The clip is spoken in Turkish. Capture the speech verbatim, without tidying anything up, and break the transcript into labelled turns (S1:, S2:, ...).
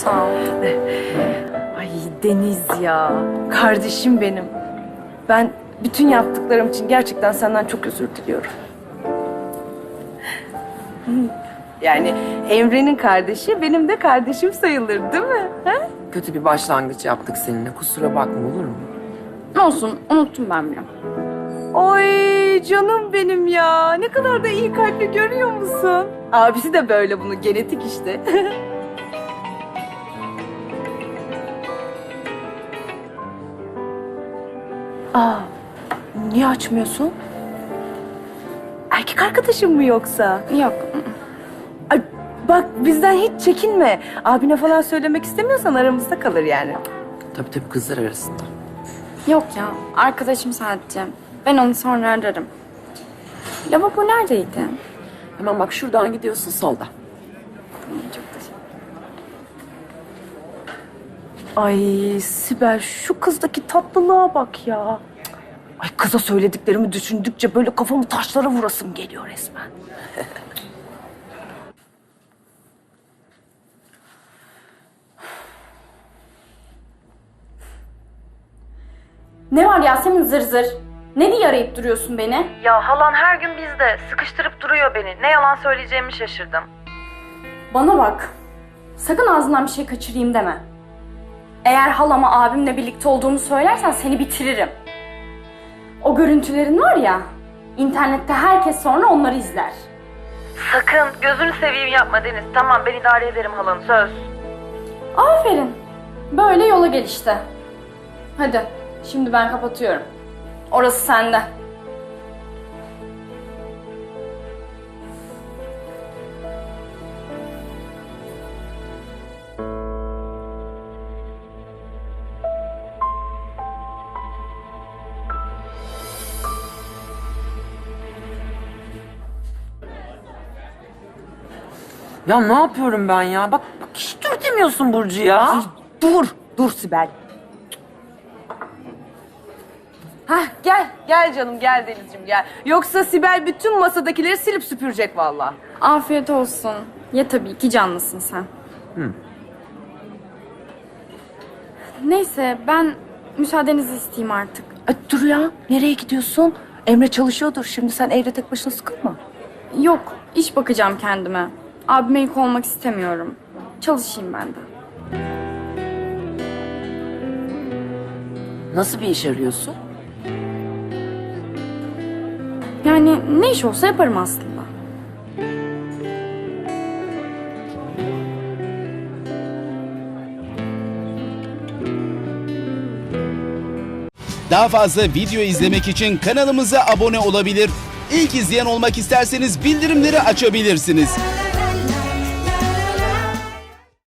S1: Sağ ol.
S2: Ay Deniz ya, kardeşim benim. Ben bütün yaptıklarım için gerçekten senden çok özür diliyorum. Yani Emre'nin kardeşi benim de kardeşim sayılır değil mi? Ha?
S3: Kötü bir başlangıç yaptık seninle. Kusura bakma, olur mu?
S1: Olsun, unuttum ben bile.
S2: Oy canım benim ya. Ne kadar da iyi kalpli, görüyor musun? Abisi de böyle, bunu genetik işte. Aa, niye açmıyorsun? Erkek arkadaşın mı yoksa?
S1: Yok.
S2: Ay, bak bizden hiç çekinme. Abine falan söylemek istemiyorsan aramızda kalır yani.
S3: Tabii tabii, kızlar arasında.
S1: Yok ya, arkadaşım sadece. Ben onu sonra ararım. Lavabo neredeydi?
S3: Hemen bak, şuradan gidiyorsun, solda.
S1: Çok teşekkür
S2: Ay Sibel, şu kızdaki tatlılığa bak ya. Ay kıza söylediklerimi düşündükçe böyle kafamı taşlara vurasım geliyor resmen.
S1: Ne var Yasemin zır zır? Ne diye arayıp duruyorsun beni?
S2: Ya halan her gün bizde. Sıkıştırıp duruyor beni. Ne yalan söyleyeceğimi şaşırdım.
S1: Bana bak. Sakın ağzından bir şey kaçırayım deme. Eğer halama abimle birlikte olduğumu söylersen seni bitiririm. O görüntülerin var ya, internette herkes sonra onları izler.
S2: Sakın gözünü seveyim yapma Deniz. Tamam, ben idare ederim halanı, söz.
S1: Aferin. Böyle yola gel işte. Hadi, şimdi ben kapatıyorum. Orası sende.
S3: Ya ne yapıyorum ben ya? Bak, bak hiç dur demiyorsun Burcu ya.
S2: Dur, dur Sibel. Hah, gel, gel canım, gel Denizciğim gel. Yoksa Sibel bütün masadakileri silip süpürecek vallahi.
S1: Afiyet olsun. Ye tabii ki, canlısın sen.
S3: Hı.
S1: Neyse, ben müsaadenizi isteyeyim artık.
S2: Ay, dur ya, nereye gidiyorsun? Emre çalışıyordur şimdi, sen evde tek başına sıkılma.
S1: Yok, iş bakacağım kendime. Abime yük olmak istemiyorum. Çalışayım ben de.
S3: Nasıl bir iş arıyorsun?
S1: Yani ne iş olsa yaparım aslında.
S4: Daha fazla video izlemek için kanalımıza abone olabilir. İlk izleyen olmak isterseniz bildirimleri açabilirsiniz.